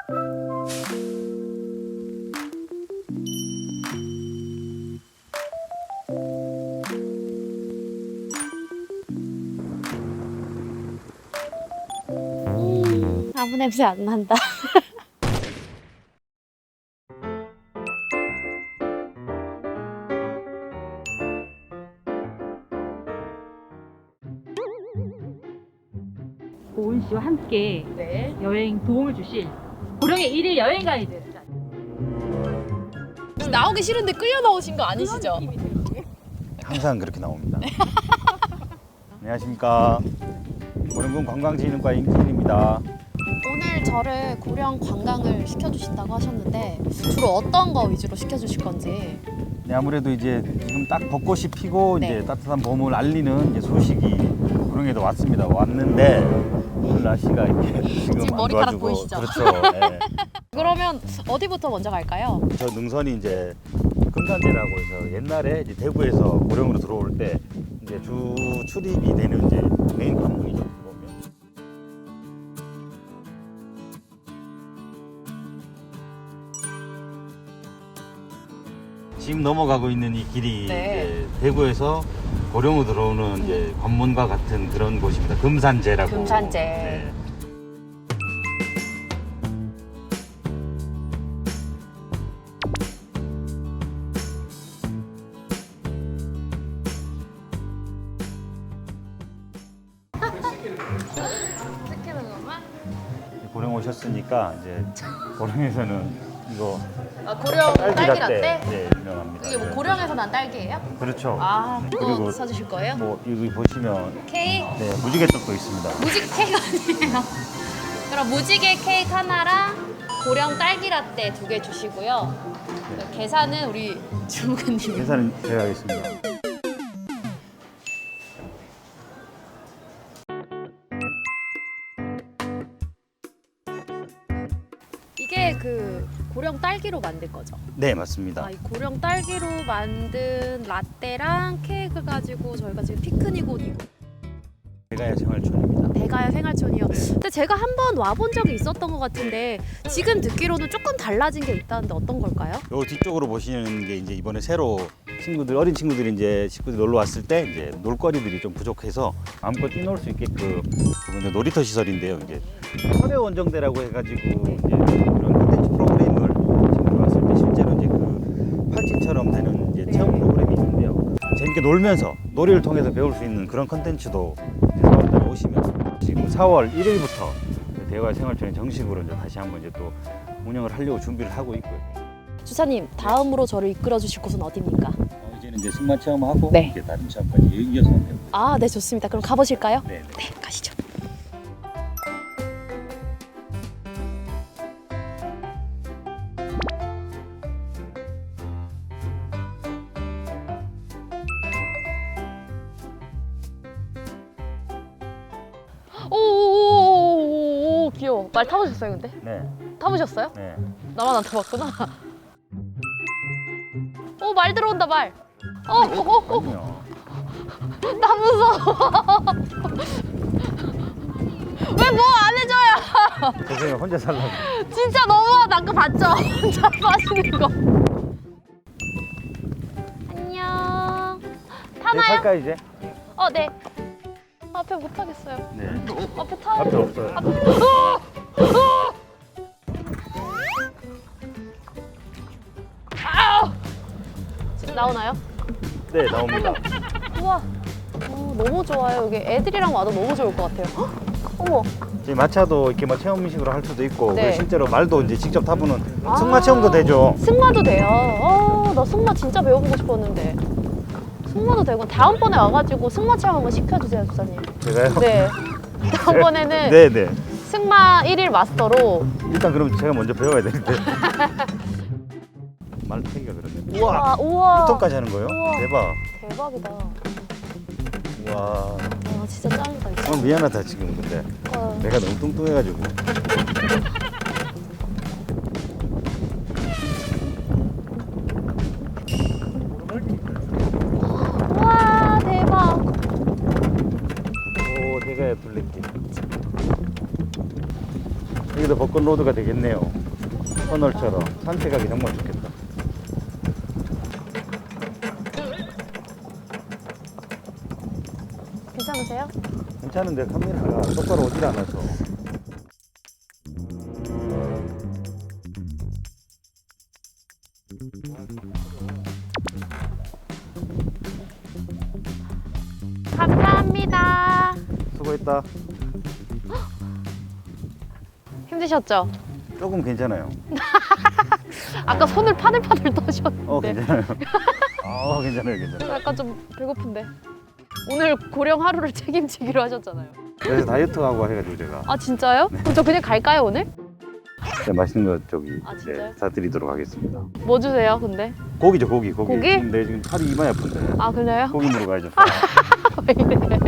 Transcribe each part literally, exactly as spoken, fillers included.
음, 아무 냄새 안 난다. 고은 씨와 함께 네. 여행 도움을 주실 고령의 일일 여행 가이드. 나오기 싫은데 끌려 나오신 거 아니시죠? 항상 그렇게 나옵니다. 안녕하십니까. 고령군 관광진흥과 임진입니다. 오늘 저를 고령 관광을 시켜주신다고 하셨는데 주로 어떤 거 위주로 시켜주실 건지. 네, 아무래도 이제 지금 딱 벚꽃이 피고 네. 이제 따뜻한 봄을 알리는 이제 소식이 고령에도 왔습니다. 왔는데 오늘 날씨가 이렇게 지금, 지금 안 머리카락 도와주고, 보이시죠? 그렇죠. 네. 그러면 어디부터 먼저 갈까요? 저 능선이 이제 금산제라고 해서 옛날에 이제 대구에서 고령으로 들어올 때 이제 주 출입이 되는 이제 메인 관문이죠. 보면. 지금 넘어가고 있는 이 길이 네. 이제 대구에서 고령으로 들어오는 이제 관문과 같은 그런 곳입니다. 금산제라고. 금산제. 네. 시키는 것만? 고령 오셨으니까 이제 고령에서는 이거 아, 고령 딸기 라떼? 네, 유명합니다. 이게 뭐 네. 고령에서 난 딸기예요? 그렇죠. 아, 또 그리고 사주실 거예요? 뭐 여기 보시면 케이크? 네, 무지개 떡도 있습니다. 무지개 케이크 아니에요? 그럼 무지개 케이크 하나랑 고령 딸기 라떼 두 개 주시고요. 그 계산은 우리 주무관님이. 계산은 제가 하겠습니다. 이게 그 고령 딸기로 만든 거죠? 네, 맞습니다. 아, 이 고령 딸기로 만든 라떼랑 케이크 가지고 저희가 지금 피크닉 옷 입고 대가야 생활촌입니다. 대가야 생활촌이요. 근데 제가 한 번 와본 적이 있었던 것 같은데 지금 듣기로는 조금 달라진 게 있다는데 어떤 걸까요? 요 뒤쪽으로 보시는 게 이제 이번에 새로 친구들 어린 친구들이 이제 식구들이 놀러 왔을 때 이제 놀거리들이 좀 부족해서 마음껏 뛰놀 수 있게끔 이번에 놀이터 시설인데요. 이제 철의 원정대라고 해가지고 이제 그런 콘텐츠 프로그램을 친구들 왔을 때 실제로 이제 그 팔찌처럼 되는 이제 체험 프로그램이 있는데요. 재밌게 놀면서 놀이를 통해서 배울 수 있는 그런 콘텐츠도 사월달에 오시면 지금 사월 일일부터 대화 생활촌에 정식으로 이제 다시 한번 이제 또 운영을 하려고 준비를 하고 있고요. 주사님, 다음으로 저를 이끌어 주실 곳은 어디입니까? 어, 이제는 이제 승마 체험하고 네. 이제 다른 체험까지 이어서 하면 아, 네, 좋습니다. 그럼 가보실까요? 네. 네, 가시죠. 오오오오오 귀여워. 말 타보셨어요, 근데? 네. 타보셨어요? 네. 나만 안 타봤구나. 오, 말 들어온다, 말. 어, 어, 어, 어. 아니요. 나 무서워. 왜 뭐 안 해줘요? 선생님 혼자 살라고. 진짜 너무하다. 아까 봤죠? 혼자 마시는 거. 안녕. 네, 타나요? 탈까 이제? 어, 네. 앞에 못 타겠어요. 네. 앞에 타요. 앞에 없어요. 아우! 지금 나오나요? 네, 나옵니다. 우와. 어, 너무 좋아요. 여기 애들이랑 와도 너무 좋을 것 같아요. 헉! 어머. 이제 마차도 이렇게 뭐 체험식으로 할 수도 있고 네. 그리고 실제로 말도 이제 직접 타보는 아. 승마 체험도 되죠. 승마도 돼요. 어, 나 승마 진짜 배워보고 싶었는데. 승마도 되고 다음번에 와가지고 승마 체험 한번 시켜주세요, 주사님. 제가요? 네. 다음번에는 네, 네. 승마 일일 마스터로. 일단 그럼 제가 먼저 배워야 되는데. 말 타기가 그러네. 우와! 아, 우와. 육 톤까지 하는 거예요? 우와. 대박. 대박이다. 우와. 와, 진짜 짱이다. 이거. 오늘 미안하다 지금 근데 어. 내가 너무 뚱뚱해가지고. 우와, 대박. 오, 대가야 둘레길. 여기도 벚꽃 로드가 되겠네요. 터널처럼 산책하기 정말 좋겠다. 괜찮으세요? 괜찮은데 카메라가 똑바로 오질 않아서. 감사합니다. 수고했다. 힘드셨죠? 조금 괜찮아요. 아까 손을 파들파들 떠셨는데. 어 괜찮아요. 어 괜찮아요, 괜찮아요. 약간 좀 배고픈데. 오늘 고령 하루를 책임지기로 하셨잖아요. 그래서 다이어트하고 해가지고 제가 아 진짜요? 그럼 저 그냥 갈까요 오늘? 네, 맛있는 거 저기 아, 네, 진짜요? 사드리도록 하겠습니다. 뭐 주세요 근데? 고기죠, 고기, 고기. 고기? 지금 내 지금 팔이 이마에 아픈데. 아 그래요? 고기 먹으러 가야죠. 왜 이래?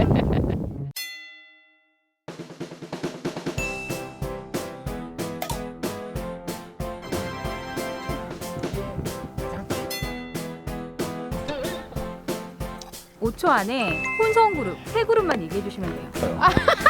오 초 안에 혼성 그룹 세 그룹만 얘기해 주시면 돼요.